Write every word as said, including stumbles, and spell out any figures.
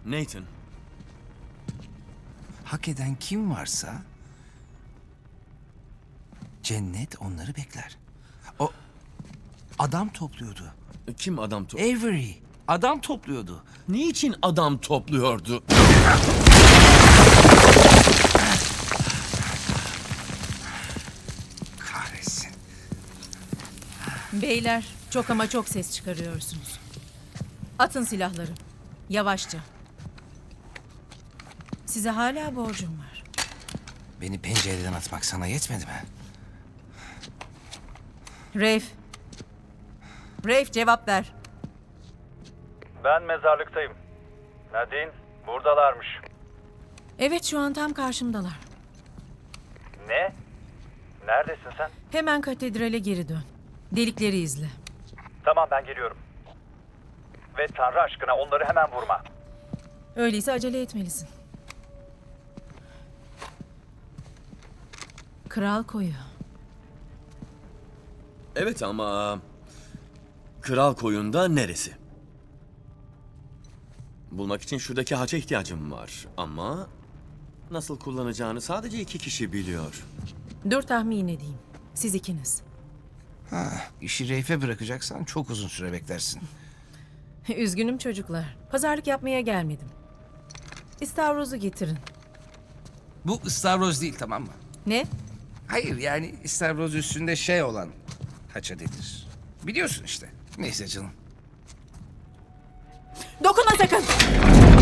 Nathan. Hak eden kim varsa cennet onları bekler. O adam topluyordu. Kim adam to... Avery adam topluyordu. Niçin adam topluyordu? Kahretsin. Beyler, çok ama çok ses çıkarıyorsunuz. Atın silahları. Yavaşça. Size hala borcum var. Beni pencereden atmak sana yetmedi mi? Rafe. Rafe cevap ver. Ben mezarlıktayım. Nadine, buradalarmış. Evet, şu an tam karşımdalar. Ne? Neredesin sen? Hemen katedrale geri dön. Delikleri izle. Tamam, ben geliyorum. Ve Tanrı aşkına onları hemen vurma. Öyleyse acele etmelisin. Kral Koyu. Evet ama... Kral Koyun'da neresi? Bulmak için şuradaki haça ihtiyacım var ama... Nasıl kullanacağını sadece iki kişi biliyor. Dur tahmin edeyim. Siz ikiniz. Ha, işi Reif'e bırakacaksan çok uzun süre beklersin. Üzgünüm çocuklar. Pazarlık yapmaya gelmedim. İstavrozu getirin. Bu ıstavroz değil, tamam mı? Ne? Hayır, yani istavroz üstünde şey olan haça denir. Biliyorsun işte. Neyse canım. Dokunma sakın!